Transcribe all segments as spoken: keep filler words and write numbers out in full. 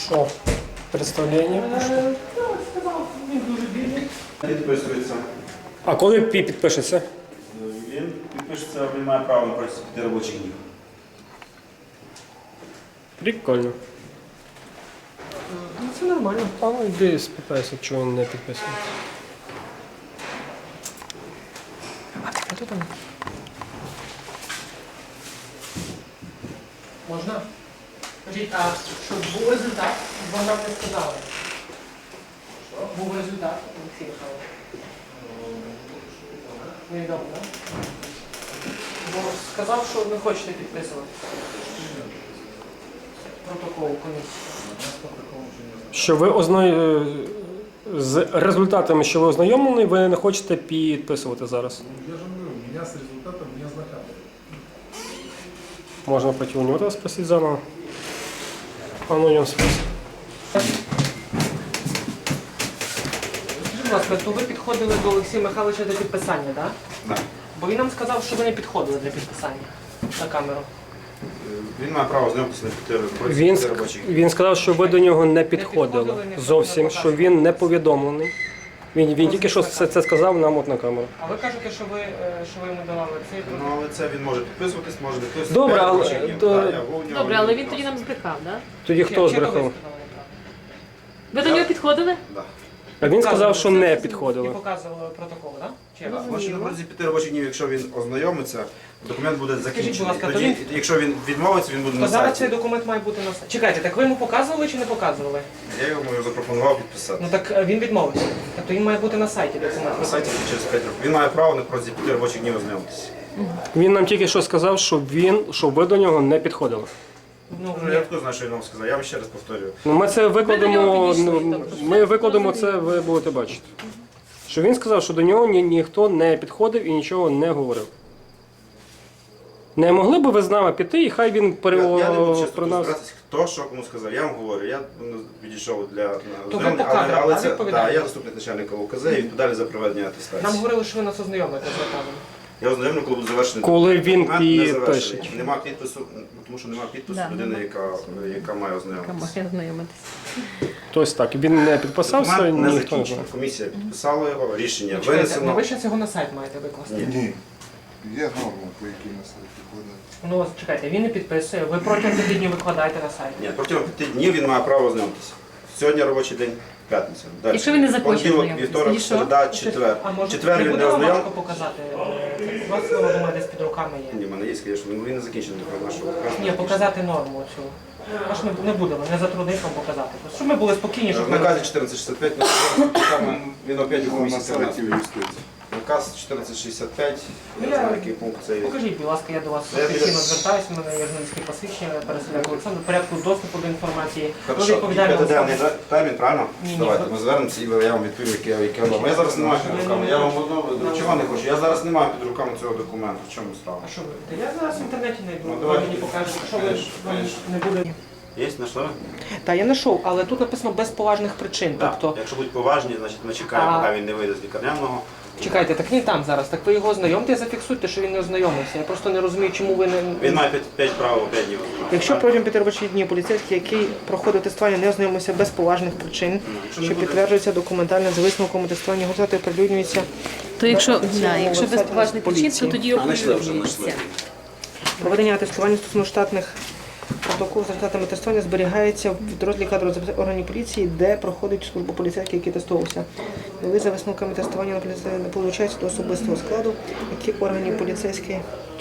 Що? Представлення? Е, Так, сказав, він дуже бідний. Підписується. А коли пі- підпишеться? Він підпишеться, він має право на протязі п'яти робочих днів. Прикольно. Ну, це нормально. А ну йди спитайся, чого він не підписує. А що там? Можна? Скажіть, а що був результат? Бо нам не сказали. Що? Був результат, Олексій Михайлович? Невідомо, так? Бо сказав, що не хочете підписувати. Протокол комісії. Що ви озна... з результатами, що ви ознайомлені, ви не хочете підписувати зараз. Я же говорю, меня с результатом не ознакомили. Можна пойти у нього спросити заново. А ну, у нього спросить. Скажіть, будь ласка, то ви підходили до Олексія Михайловича для підписання, так? Так. Бо він нам сказав, що ви не підходили для підписання на камеру. Він має право знайомитися на п'яти протязі Він, п'яти ск- робочих днів. він сказав, що ви до нього не підходили підходили, ніхто зовсім, не що він не повідомлений. Він, він тільки що це, це сказав нам от на камеру. А ви кажете, що ви, е, що ви йому давали цей Ну, протокол? але це він може підписуватись, може не підписуватись. Добре, п'ять але- робочих днів. то- Так, я був у нього, Добре, але він відклав. тоді нам збрехав, так? Тоді хто Чи- чи то ви збрехав? сказали неправильно? Ви до нього підходили? Да. А він сказав, що не І підходили. показували протокол, так? Чи як? Так, може на протязі п'яти робочих днів, якщо він ознайомиться, документ буде закінчений. будь ласка, то Тоді, він- якщо він відмовиться, він буде То на зараз цей сайті. документ має бути на сайті. Чекайте, так ви йому показували чи не показували? Я йому запропонував підписати. Ну так е, він відмовився. Тобто він має бути на сайті документ. На сайті через п'ять років. Він має право на протязі п'яти робочих днів ознайомитися. Він нам тільки що сказав, що він, що ви до нього не підходили. Ну, Ну, я хто знає, що він вам сказав. Я вам ще раз повторюю. Ну, ми це викладемо, нього підійшли, ну, тобто ми це викладемо це, зрозуміло. ви будете бачити. Що він сказав, що до нього ні, ніхто не підходив і нічого не говорив. Не могли б ви з нами піти, і хай він пере... Я, я не буду чесно про нас. розбиратися, хто що кому сказав. Я вам говорю, я ну, відійшов для на ви ознайомлення, по кадрам, але а це відповідаєте? да, я заступник начальника УКЗ і відповідальний за проведення атестації. Нам говорили, що ви нас ознайомите з наказом. Я ознайомлю, коли буде завершений. Коли він документ не завершений. підпише. Нема підпису, ну, тому що нема підпису Да, людини, нема. яка, яка має ознайомитися. Має знайомитися. Тобто так, він не підписався, Документ не ніхто не закінчений. знає. Комісія підписала його, рішення Чекайте, ну винесено. ви ще цього на сайт маєте викласти. Ні. Ні. Є норма, по якій на сайті ходить. Ну ось, чекайте, він не підписує, ви протягом п'яти днів викладаєте на сайт. Ні, протягом п'яти днів він має право ознайомитися. Сьогодні робочий день, п'ятниця. Далі. Якщо він не захоче Понеділок, ознайомитися, вівторок, тоді що? середа, четвер. А може, Четвер не він буде не вам важко ознайомився. показати? Е, У вас, я думаю, десь під руками є. Ні, в мене є, звісно, він не закінчений до нашого. Ні, показати норму цю. Аж не, не будемо, не затруднить вам показати. Просто щоб ми були спокійні, щоб В ми... наказі чотирнадцять шістдесят п'ять написано, він опять у На комісії сайті юстиції. Наказ чотирнадцять шістдесят п'ять, Ну, я я- знаю, який пункт це є. Покажіть, будь ласка, я до вас Я офіційно біля- звертаюся, в мене є журналістське посвідчення, Переселяк Олександр, в порядку доступу до інформації. Ви Хорошо, і відповідальна п'ятиденний особа. термін, правильно? Ні, ні, Давайте, ви- ми звернемося і я вам відповім, яке яке воно. Я зараз не маю під руками. Я вам одного, чого не хочу? Я зараз не маю під руками цього документу. В чому справа? А що ви? Та я зараз в інтернеті знайду, Ну, ви давайте. мені покажете, що ви Конечно, вам конечно. не буде. Є, знайшли? Так, я знайшов, але тут написано без поважних причин. Так. Тобто, Якщо будуть поважні, значить ми чекаємо, А- поки він не вийде з лікарняного. чекайте, так він там зараз, так ви його ознайомте і зафіксуйте, що він не ознайомився. Я просто не розумію, чому ви не... Він має п'ять прав, п'ять днів. Якщо протягом п'яти робочих днів поліцейський, який проходив тестування, не ознайомився без поважних причин, якщо не що буде- підтверджується документально за висновком тестування, голосувати оприлюднюється То якщо, на да, якщо без вебсайті поважних причин, то поліції. тоді А, знайшли вже, оприлюднюється. знайшли. Проведення тестування стосовно штатних протоколів з результатами тестування зберігається в підрозділі кадрових записів органів поліції, де проходить службу поліцейський, який тестувався. Нові за висновками тестування на поліцейський не получається до особистого складу, які органів поліцейський.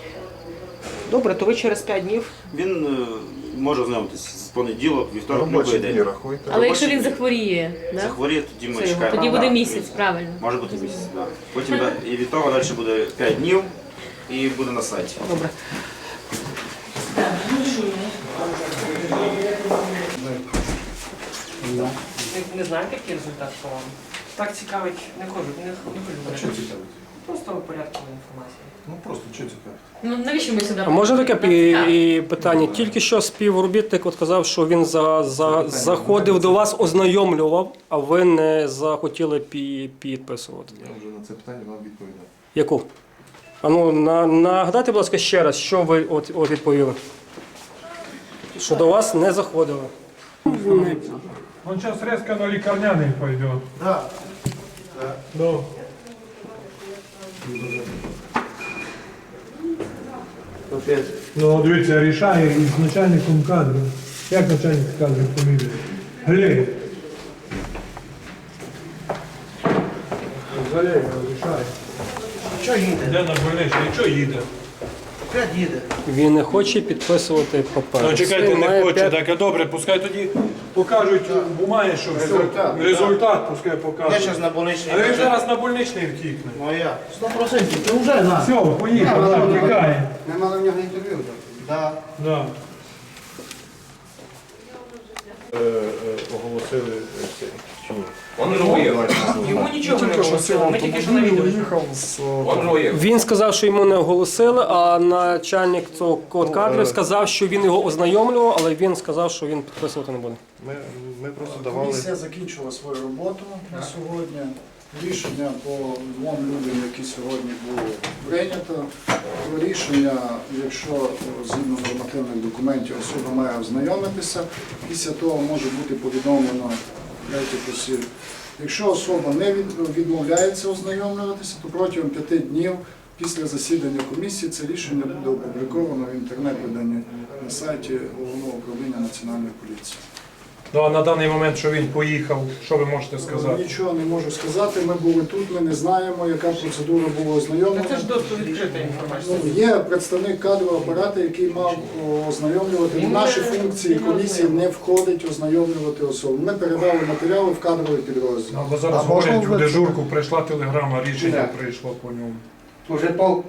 Добре, то ви через п'ять днів. Він е, може ознайомитися з понеділок, вівторок, Робочі любий дні день. рахуйте. Але якщо Робочий він день. захворіє, да? Захворіє, тоді ми Це його чекаємо. тоді Да, буде місяць, правильно. Може бути місяць, так. Потім да, і від того далі буде п'ять днів і буде на сайті. Добре. Не, не знаєте, який результат по вам? Так цікавить, не хочу, не, не А хочу. що цікавить? Просто порядкової інформації. Ну просто що цікавить? Ну навіщо ми сюди? А може таке Нам цікаво. пі- і питання? Тільки що співробітник от казав, що він за, за, заходив до вас, ознайомлював, а ви не захотіли пі- підписувати. Я вже на це питання вам відповідав. Яку? А ну, на, нагадайте, будь ласка, ще раз, що ви от, от відповіли? Що до вас не заходили. Он сейчас резко на лікарняний пойдет. Да. Ну. Ну, дивіться, рішає із начальником кадрів. Як начальник кадрів фамілія? Глєєв. Залєєв рішає. Що їде? Де на больничний? І що їде? П'ять їде. Він не хоче підписувати папери. Ну, чекайте, Має не хоче, п'ять- так, а добре, пускай тоді покажуть бумаги, що все. Результат. Результат пускай Я покажуть. зараз на больничній. А він зараз на больничний втікне. Ну а я. Сто процентів, ти вже на. Все, поїхав, так, тікає. Ми мали в нього інтерв'ю. Да. Да. Оголосили цей. Чи ні? Он же уехал. Йому нічого не оголосили, ми тільки що на відео. Он же уехал. Він сказав, що йому не оголосили, а начальник цього код кадрів сказав, що він його ознайомлював, але він сказав, що він підписувати не буде. Ми, ми просто давали. Комісія закінчила свою роботу на сьогодні. Рішення по двом людям, які сьогодні було прийнято. Про рішення, якщо згідно нормативних документів особа має ознайомитися, після того може бути повідомлено третіх осіб. Якщо особа не від- відмовляється ознайомлюватися, то протягом п'яти днів після засідання комісії це рішення буде опубліковано в інтернет-виданні на сайті Головного управління Національної поліції. Ну, а на даний момент, що він поїхав, що ви можете сказати? Нічого не можу сказати. Ми були тут, ми не знаємо, яка процедура була ознайомлена. Це ж досить відкрита інформація. Ну, є представник кадрового апарату, який мав о, ознайомлювати. В наші функції комісії не входить ознайомлювати особу. Ми передали матеріали в кадровий підрозділ. Ну, бо зараз А можна говорять, в вже- дежурку прийшла телеграма, рішення прийшло по ньому. Уже пол